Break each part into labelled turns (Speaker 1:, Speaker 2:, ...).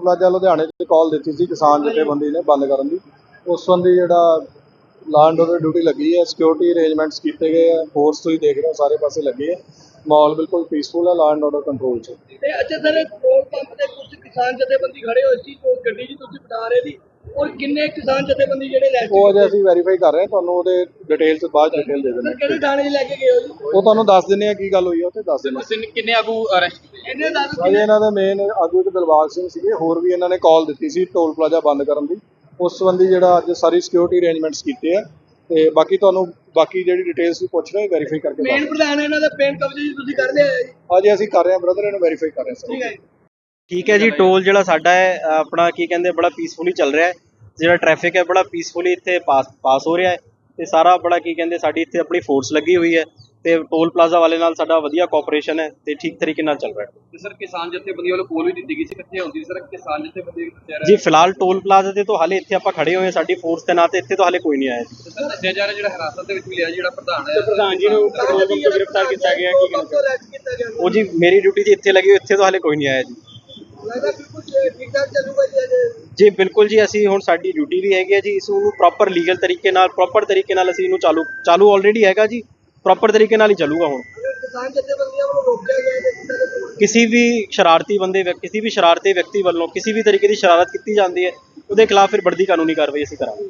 Speaker 1: Toll plaza ਲੁਧਿਆਣੇ 'ਚ ਕਾਲ ਦਿੱਤੀ ਸੀ ਕਿਸਾਨ ਜਥੇਬੰਦੀ ਨੇ ਬੰਦ ਕਰਨ ਦੀ। ਉਸ ਸੰਬੰਧੀ ਜਿਹੜਾ ਲਾਅ ਐਂਡ ਆਰਡਰ ਡਿਊਟੀ ਲੱਗੀ ਹੈ, ਸਿਕਿਉਰਿਟੀ ਅਰੇਂਜਮੈਂਟਸ ਕੀਤੇ ਗਏ ਆ, ਫੋਰਸ ਤੁਸੀਂ ਦੇਖ ਰਹੇ ਹੋ ਸਾਰੇ ਪਾਸੇ ਲੱਗੀ ਹੈ, ਮਾਹੌਲ ਬਿਲਕੁਲ ਪੀਸਫੁਲ ਹੈ, ਲਾਅ ਐਂਡ ਆਰਡਰ ਕੰਟਰੋਲ 'ਚ।
Speaker 2: ਤੇ ਅੱਛਾ ਸਰ, ਪੈਟਰੋਲ ਪੰਪ ਤੇ ਕੁਝ ਕਿਸਾਨ ਜਥੇਬੰਦੀ ਖੜੇ ਹੋਏ ਸੀ, ਉਹ ਗੱਡੀ ਜੀ ਤੁਸੀਂ ਬਤਾ ਰਹੇ ਸੀ, ਔਰ ਕਿੰਨੇ ਕਿਸਾਨ ਜਥੇਬੰਦੀ ਜਿਹੜੇ ਲੈ
Speaker 1: ਉਹ ਅਜੇ ਅਸੀਂ ਵੈਰੀਫਾਈ ਕਰ ਰਹੇ ਹਾਂ, ਤੁਹਾਨੂੰ ਉਹਦੇ ਡਿਟੇਲ 'ਚ ਬਾਅਦ ਡਿਟੇਲ ਦੇ ਦਿੰਦੇ
Speaker 2: ਕਿਹੜੇ ਥਾਣੇ 'ਚ ਲੈ ਕੇ ਗਏ ਹੋ ਜੀ?
Speaker 1: ਉਹ ਤੁਹਾਨੂੰ ਦੱਸ ਦਿੰਦੇ ਆ ਕੀ ਗੱਲ ਹੋਈ ਹੈ, ਉੱਥੇ ਦੱਸ ਦਿੰਦੇ।
Speaker 3: ਕਿੰਨੇ ਆਗੂ ਅਰੈਸਟ ਕੀਤੇ?
Speaker 2: ਇਹਨੇ ਦੱਸ
Speaker 1: ਅਜੇ ਇਹਨਾਂ ਦੇ ਮੇਨ ਆਗੂ ਇੱਕ ਦਿਲਬਾਗ ਸਿੰਘ ਸੀਗੇ, ਹੋਰ ਵੀ ਇਹਨਾਂ ਨੇ ਕਾਲ ਦਿੱਤੀ ਸੀ ਟੋਲ ਪਲਾਜ਼ਾ ਬੰਦ ਕਰਨ ਦੀ। ਉਸ ਸੰਬੰਧੀ ਜਿਹੜਾ ਅੱਜ ਸਾਰੀ ਸਿਕਿਉਰਿਟੀ ਅਰੇਂਜਮੈਂਟਸ ਕੀਤੇ ਆ, ਤੇ ਬਾਕੀ ਤੁਹਾਨੂੰ ਬਾਕੀ ਜਿਹੜੀ ਡਿਟੇਲਸ ਵੀ ਪੁੱਛ ਰਹੇ ਵੈਰੀਫਾਈ ਕਰਕੇ
Speaker 2: ਮੇਨ ਪ੍ਰਧਾਨ ਇਹਨਾਂ ਦਾ ਪੇਨ ਕਬਜ਼ੇ ਜੀ ਤੁਸੀਂ ਕਰ ਲਿਆ ਹੈ ਜੀ?
Speaker 1: ਅਜੇ ਅਸੀਂ ਕਰ ਰਹੇ ਹਾਂ ਬ੍ਰਦਰ, ਇਹਨੂੰ ਵੈਰੀਫਾਈ ਕਰ ਰਹੇ ਹਾਂ।
Speaker 2: ਠੀਕ ਹੈ ਜੀ।
Speaker 4: ਠੀਕ ਹੈ ਜੀ। ਟੋਲ ਜਿਹੜਾ ਸਾਡਾ ਹੈ ਆਪਣਾ ਕੀ ਕਹਿੰਦੇ ਬੜਾ ਪੀਸਫੁਲੀ ਚੱਲ ਰਿਹਾ ਹੈ। ਜਿਹੜਾ ਟ੍ਰੈਫਿਕ ਹੈ ਬੜਾ ਪੀਸਫੁਲੀ ਇੱਥੇ ਪਾਸ ਹੋ ਰਿਹਾ ਹੈ, ਤੇ ਸਾਰਾ ਬੜਾ ਕੀ ਕਹਿੰਦੇ ਸਾਡੀ ਇੱਥੇ ਆਪਣੀ ਫੋਰਸ ਲੱਗੀ ਹੋਈ ਹੈ, ਤੇ ਟੋਲ ਪਲਾਜ਼ਾ ਵਾਲੇ ਨਾਲ ਸਾਡਾ ਵਧੀਆ ਕੋਆਪਰੇਸ਼ਨ ਹੈ, ਤੇ ਠੀਕ ਤਰੀਕੇ ਨਾਲ ਚੱਲ ਰਿਹਾ ਹੈ।
Speaker 3: ਤੇ ਸਰ ਕਿਸਾਨ ਜਥੇਬੰਦੀ ਵੱਲੋਂ ਕੋਲ ਵੀ ਦਿੱਤੀ ਗਈ ਸੀ, ਕਿੱਥੇ ਹੁੰਦੀ ਸਰ ਕਿਸਾਨ ਜਥੇਬੰਦੀ?
Speaker 4: ਜੀ ਫਿਲਹਾਲ ਟੋਲ ਪਲਾਜ਼ਾ ਤੇ ਤੋਂ ਹਾਲੇ ਇੱਥੇ ਆਪਾਂ ਖੜੇ ਹੋਏ ਹਾਂ, ਸਾਡੀ ਫੋਰਸ ਦੇ ਨਾਂ ਤੇ ਇੱਥੇ ਤੋਂ ਹਾਲੇ ਕੋਈ ਨਹੀਂ ਆਇਆ ਜੀ।
Speaker 3: ਸਰ ਦੱਸਿਆ ਜਾ ਰਿਹਾ ਜਿਹੜਾ ਹਿਰਾਸਤ ਦੇ ਵਿੱਚ ਵੀ ਲਿਆ ਜਿਹੜਾ ਪ੍ਰਧਾਨ ਹੈ,
Speaker 4: ਪ੍ਰਧਾਨ ਜੀ ਨੂੰ ਪੈਟਰੋਲ ਪੰਪ ਤੋਂ ਗ੍ਰਿਫਤਾਰ ਕੀਤਾ ਗਿਆ। ਕੀ
Speaker 2: ਕਦੋਂ ਅਰੈਸਟ ਕੀਤਾ ਗਿਆ?
Speaker 4: ਉਹ ਜੀ ਮੇਰੀ ਡਿਊਟੀ ਜੀ ਇੱਥੇ ਲੱਗੀ ਹੋਈ, ਇੱਥੇ ਤੋਂ ਹਾਲੇ ਕੋਈ ਨਹੀਂ ਆਇਆ ਜੀ।
Speaker 2: ਲੱਗਦਾ ਬਿਲਕੁਲ ਠੀਕ ਠਾਕ ਚੱਲੂਗਾ ਜੀ ਅਜੇ?
Speaker 4: ਜੀ ਬਿਲਕੁਲ ਜੀ, ਅਸੀਂ ਹੁਣ ਸਾਡੀ ਡਿਊਟੀ ਵੀ ਹੈਗੀ ਹੈ ਜੀ, ਇਸ ਨੂੰ ਪ੍ਰੋਪਰ ਲੀਗਲ ਤਰੀਕੇ ਨਾਲ ਪ੍ਰੋਪਰ ਤਰੀਕੇ ਨਾਲ ਅਸੀਂ ਇਹਨੂੰ ਚਾਲੂ ਆਲਰੇਡੀ ਹੈਗਾ ਜੀ, ਪ੍ਰੋਪਰ ਤਰੀਕੇ ਨਾਲ ਹੀ ਚੱਲੂਗਾ। ਹੁਣ
Speaker 2: ਕਿਸਾਨ ਜਥੇਬੰਦੀਆਂ ਵੱਲੋਂ ਰੋਕਿਆ ਗਿਆ ਹੈ
Speaker 4: ਕਿਸੇ ਵੀ ਸ਼ਰਾਰਤੀ ਵਿਅਕਤੀ ਵੱਲੋਂ ਕਿਸੇ ਵੀ ਤਰੀਕੇ ਦੀ ਸ਼ਰਾਰਤ ਕੀਤੀ ਜਾਂਦੀ ਹੈ, ਉਹਦੇ ਖਿਲਾਫ ਫਿਰ ਬਣਦੀ ਕਾਨੂੰਨੀ ਕਾਰਵਾਈ ਅਸੀਂ ਕਰਾਂਗੇ।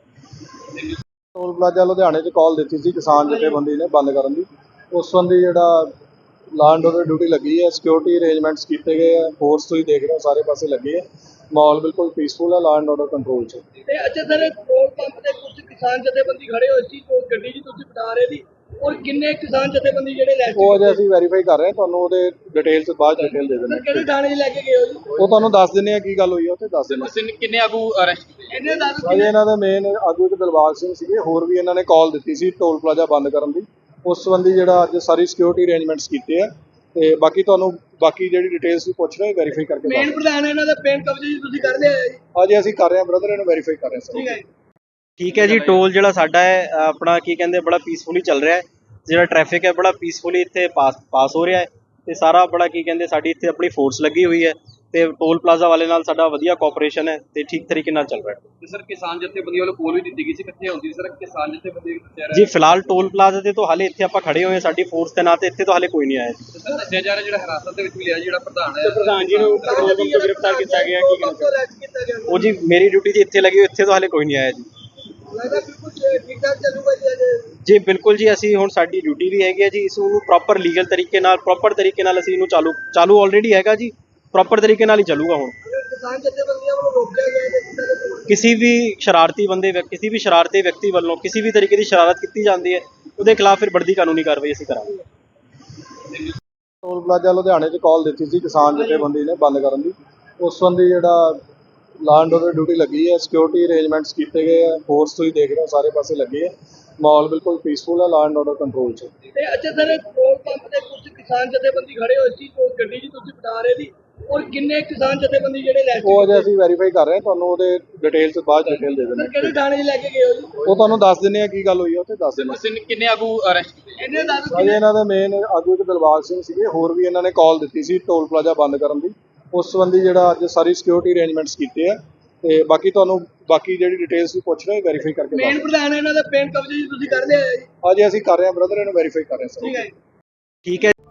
Speaker 1: ਟੋਲ ਪਲਾਜ਼ਾ ਲੁਧਿਆਣੇ 'ਚ ਕਾਲ ਦਿੱਤੀ ਸੀ ਕਿਸਾਨ ਜਥੇਬੰਦੀ ਨੇ ਬੰਦ ਕਰਨ ਦੀ। ਉਸ ਸੰਬੰਧੀ ਜਿਹੜਾ ਲਾਅ ਐਂਡ ਆਰਡਰ ਡਿਊਟੀ ਲੱਗੀ ਹੈ, ਸਿਕਿਉਰਿਟੀ ਅਰੇਂਜਮੈਂਟਸ ਕੀਤੇ ਗਏ ਆ, ਫੋਰਸ ਤੁਸੀਂ ਦੇਖ ਰਹੇ ਹੋ ਸਾਰੇ ਪਾਸੇ ਲੱਗੀ ਹੈ, ਮਾਹੌਲ ਬਿਲਕੁਲ ਪੀਸਫੁਲ ਹੈ, ਲਾਅ ਐਂਡ ਆਰਡਰ ਕੰਟਰੋਲ 'ਚ।
Speaker 2: ਤੇ ਅੱਛਾ ਸਰ, ਪੈਟਰੋਲ ਪੰਪ ਤੇ ਕੁਝ ਕਿਸਾਨ ਜਥੇਬੰਦੀ ਖੜੇ ਹੋਏ ਸੀ, ਉਹ ਗੱਡੀ ਜੀ ਤੁਸੀਂ ਬਤਾ ਰਹੇ ਸੀ, ਔਰ ਕਿੰਨੇ ਕਿਸਾਨ ਜਥੇਬੰਦੀ ਜਿਹੜੇ ਲੈ
Speaker 1: ਉਹ ਅਜੇ ਅਸੀਂ ਵੈਰੀਫਾਈ ਕਰ ਰਹੇ ਹਾਂ, ਤੁਹਾਨੂੰ ਉਹਦੇ ਡਿਟੇਲ 'ਚ ਬਾਅਦ ਡਿਟੇਲ ਦੇ ਦਿੰਦੇ।
Speaker 2: ਕਿਹੜੇ ਥਾਣੇ 'ਚ ਲੈ ਕੇ ਗਏ ਹੋ ਜੀ?
Speaker 1: ਉਹ ਤੁਹਾਨੂੰ ਦੱਸ ਦਿੰਦੇ ਆ ਕੀ ਗੱਲ ਹੋਈ ਹੈ, ਉੱਥੇ ਦੱਸ ਦਿੰਦੇ।
Speaker 3: ਕਿੰਨੇ ਆਗੂ ਅਰੈਸਟ ਕੀਤੇ?
Speaker 2: ਇਹਨੇ ਦੱਸ
Speaker 1: ਅਜੇ ਇਹਨਾਂ ਦੇ ਮੇਨ ਆਗੂ ਇੱਕ ਦਿਲਬਾਗ ਸਿੰਘ ਸੀਗੇ, ਹੋਰ ਵੀ ਇਹਨਾਂ ਨੇ ਕਾਲ ਦਿੱਤੀ ਸੀ ਟੋਲ ਪਲਾਜ਼ਾ ਬੰਦ ਕਰਨ ਦੀ। ਉਸ ਸੰਬੰਧੀ ਜਿਹੜਾ ਅੱਜ ਸਾਰੀ ਸਿਕਿਉਰਿਟੀ ਅਰੇਂਜਮੈਂਟਸ ਕੀਤੇ ਆ, ਤੇ ਬਾਕੀ ਤੁਹਾਨੂੰ ਬਾਕੀ ਜਿਹੜੀ ਡਿਟੇਲਸ ਵੀ ਪੁੱਛ ਰਹੇ ਵੈਰੀਫਾਈ ਕਰਕੇ
Speaker 2: ਮੇਨ ਪ੍ਰਧਾਨ ਇਹਨਾਂ ਦਾ ਪੇਨ ਕਬਜ਼ੇ ਜੀ ਤੁਸੀਂ ਕਰ ਲਿਆ ਹੈ ਜੀ?
Speaker 1: ਅਜੇ ਅਸੀਂ ਕਰ ਰਹੇ ਹਾਂ ਬ੍ਰਦਰ, ਇਹਨੂੰ ਵੈਰੀਫਾਈ ਕਰ ਰਹੇ ਹਾਂ।
Speaker 2: ਠੀਕ ਹੈ ਜੀ।
Speaker 4: ਠੀਕ ਹੈ ਜੀ। ਟੋਲ ਜਿਹੜਾ ਸਾਡਾ ਹੈ ਆਪਣਾ ਕੀ ਕਹਿੰਦੇ ਬੜਾ ਪੀਸਫੁਲੀ ਚੱਲ ਰਿਹਾ ਹੈ। ਜਿਹੜਾ ਟ੍ਰੈਫਿਕ ਹੈ ਬੜਾ ਪੀਸਫੁਲੀ ਇੱਥੇ ਪਾਸ ਹੋ ਰਿਹਾ ਹੈ, ਤੇ ਸਾਰਾ ਬੜਾ ਕੀ ਕਹਿੰਦੇ ਸਾਡੀ ਇੱਥੇ ਆਪਣੀ ਫੋਰਸ ਲੱਗੀ ਹੋਈ ਹੈ, ਤੇ ਟੋਲ ਪਲਾਜ਼ਾ ਵਾਲੇ ਨਾਲ ਸਾਡਾ ਵਧੀਆ ਕੋਆਪਰੇਸ਼ਨ ਹੈ, ਤੇ ਠੀਕ ਤਰੀਕੇ ਨਾਲ ਚੱਲ ਰਿਹਾ ਹੈ।
Speaker 3: ਤੇ ਸਰ ਕਿਸਾਨ ਜਥੇਬੰਦੀ ਵੱਲੋਂ ਕੋਲ ਵੀ ਦਿੱਤੀ ਗਈ ਸੀ, ਕਿੱਥੇ ਹੁੰਦੀ ਸਰ ਕਿਸਾਨ ਜਥੇਬੰਦੀ?
Speaker 4: ਜੀ ਫਿਲਹਾਲ ਟੋਲ ਪਲਾਜ਼ਾ ਤੇ ਤੋਂ ਹਾਲੇ ਇੱਥੇ ਆਪਾਂ ਖੜੇ ਹੋਏ ਹਾਂ, ਸਾਡੀ ਫੋਰਸ ਦੇ ਨਾਂ ਤੇ ਇੱਥੇ ਤੋਂ ਹਾਲੇ ਕੋਈ ਨਹੀਂ ਆਇਆ ਜੀ।
Speaker 3: ਸਰ ਦੱਸਿਆ ਜਾ ਰਿਹਾ ਜਿਹੜਾ ਹਿਰਾਸਤ ਦੇ ਵਿੱਚ ਵੀ ਲਿਆ ਜਿਹੜਾ ਪ੍ਰਧਾਨ ਹੈ,
Speaker 4: ਪ੍ਰਧਾਨ ਜੀ ਨੂੰ ਪੈਟਰੋਲ ਪੰਪ ਤੋਂ ਗ੍ਰਿਫਤਾਰ ਕੀਤਾ ਗਿਆ। ਕੀ
Speaker 2: ਕਦੋਂ ਅਰੈਸਟ ਕੀਤਾ ਗਿਆ?
Speaker 4: ਉਹ ਜੀ ਮੇਰੀ ਡਿਊਟੀ ਜੀ ਇੱਥੇ ਲੱਗੀ ਹੋਈ, ਇੱਥੇ ਤੋਂ ਹਾਲੇ ਕੋਈ ਨਹੀਂ ਆਇਆ ਜੀ।
Speaker 2: ਲੱਗਦਾ ਬਿਲਕੁਲ ਠੀਕ ਠਾਕ ਚੱਲੂਗਾ ਜੀ ਅਜੇ?
Speaker 4: ਜੀ ਬਿਲਕੁਲ ਜੀ, ਅਸੀਂ ਹੁਣ ਸਾਡੀ ਡਿਊਟੀ ਵੀ ਹੈਗੀ ਹੈ ਜੀ, ਇਸ ਨੂੰ ਪ੍ਰੋਪਰ ਲੀਗਲ ਤਰੀਕੇ ਨਾਲ ਪ੍ਰੋਪਰ ਤਰੀਕੇ ਨਾਲ ਅਸੀਂ ਇਹਨੂੰ ਚਾਲੂ ਆਲਰੇਡੀ ਹੈਗਾ ਜੀ, ਪ੍ਰੋਪਰ ਤਰੀਕੇ ਨਾਲ ਹੀ ਚੱਲੂਗਾ। ਹੁਣ
Speaker 2: ਕਿਸਾਨ ਜਥੇਬੰਦੀਆਂ ਵੱਲੋਂ ਰੋਕਿਆ ਗਿਆ ਹੈ
Speaker 4: ਕਿਸੇ ਵੀ ਸ਼ਰਾਰਤੀ ਵਿਅਕਤੀ ਵੱਲੋਂ ਕਿਸੇ ਵੀ ਤਰੀਕੇ ਦੀ ਸ਼ਰਾਰਤ ਕੀਤੀ ਜਾਂਦੀ ਹੈ, ਉਹਦੇ ਖਿਲਾਫ ਫਿਰ ਬਣਦੀ ਕਾਨੂੰਨੀ ਕਾਰਵਾਈ ਅਸੀਂ ਕਰਾਂਗੇ।
Speaker 1: ਟੋਲ ਪਲਾਜ਼ਾ ਲੁਧਿਆਣੇ 'ਚ ਕਾਲ ਦਿੱਤੀ ਸੀ ਕਿਸਾਨ ਜਥੇਬੰਦੀ ਨੇ ਬੰਦ ਕਰਨ ਦੀ। ਉਸ ਸੰਬੰਧੀ ਜਿਹੜਾ ਲਾਅ ਐਂਡ ਆਰਡਰ ਡਿਊਟੀ ਲੱਗੀ ਹੈ, ਸਿਕਿਉਰਿਟੀ ਅਰੇਂਜਮੈਂਟਸ ਕੀਤੇ ਗਏ ਆ, ਫੋਰਸ ਤੁਸੀਂ ਦੇਖ ਰਹੇ ਹੋ ਸਾਰੇ ਪਾਸੇ ਲੱਗੀ ਹੈ, ਮਾਹੌਲ ਬਿਲਕੁਲ ਪੀਸਫੁਲ ਹੈ, ਲਾਅ ਐਂਡ ਆਰਡਰ ਕੰਟਰੋਲ 'ਚ।
Speaker 2: ਤੇ ਅੱਛਾ ਸਰ, ਪੈਟਰੋਲ ਪੰਪ ਤੇ ਕੁਝ ਕਿਸਾਨ ਜਥੇਬੰਦੀ ਖੜੇ ਹੋਏ ਸੀ, ਉਹ ਗੱਡੀ ਜੀ ਤੁਸੀਂ ਬਤਾ ਰਹੇ ਸੀ, ਔਰ ਕਿੰਨੇ ਕਿਸਾਨ ਜਥੇਬੰਦੀ ਜਿਹੜੇ ਲੈ
Speaker 1: ਉਹ ਅਜੇ ਅਸੀਂ ਵੈਰੀਫਾਈ ਕਰ ਰਹੇ ਹਾਂ, ਤੁਹਾਨੂੰ ਉਹਦੇ ਡਿਟੇਲ 'ਚ ਬਾਅਦ ਡਿਟੇਲ ਦੇ ਦਿੰਦੇ।
Speaker 2: ਕਿਹੜੇ ਥਾਣੇ 'ਚ ਲੈ ਕੇ ਗਏ ਹੋ ਜੀ?
Speaker 1: ਉਹ ਤੁਹਾਨੂੰ ਦੱਸ ਦਿੰਦੇ ਆ ਕੀ ਗੱਲ ਹੋਈ ਹੈ, ਉੱਥੇ ਦੱਸ ਦਿੰਦੇ।
Speaker 3: ਕਿੰਨੇ ਆਗੂ ਅਰੈਸਟ ਕੀਤੇ?
Speaker 2: ਇਹਨੇ ਦੱਸ
Speaker 1: ਅਜੇ ਇਹਨਾਂ ਦੇ ਮੇਨ ਆਗੂ ਇੱਕ ਦਿਲਬਾਗ ਸਿੰਘ ਸੀਗੇ, ਹੋਰ ਵੀ ਇਹਨਾਂ ਨੇ ਕਾਲ ਦਿੱਤੀ ਸੀ ਟੋਲ ਪਲਾਜ਼ਾ ਬੰਦ ਕਰਨ ਦੀ। ਉਸ ਸੰਬੰਧੀ ਜਿਹੜਾ ਅੱਜ ਸਾਰੀ ਸਿਕਿਉਰਿਟੀ ਅਰੇਂਜਮੈਂਟਸ ਕੀਤੇ ਆ, ਤੇ ਬਾਕੀ ਤੁਹਾਨੂੰ ਬਾਕੀ ਜਿਹੜੀ ਡਿਟੇਲਸ ਵੀ ਪੁੱਛ ਰਹੇ ਵੈਰੀਫਾਈ ਕਰਕੇ
Speaker 2: ਮੇਨ ਪ੍ਰਧਾਨ ਇਹਨਾਂ ਦਾ ਪੇਨ ਕਬਜ਼ੇ ਜੀ ਤੁਸੀਂ ਕਰ ਲਿਆ ਹੈ ਜੀ?
Speaker 1: ਅਜੇ ਅਸੀਂ ਕਰ ਰਹੇ ਹਾਂ ਬ੍ਰਦਰ, ਇਹਨੂੰ ਵੈਰੀਫਾਈ ਕਰ ਰਹੇ ਹਾਂ।
Speaker 2: ਠੀਕ ਹੈ ਜੀ।
Speaker 4: ਠੀਕ ਹੈ।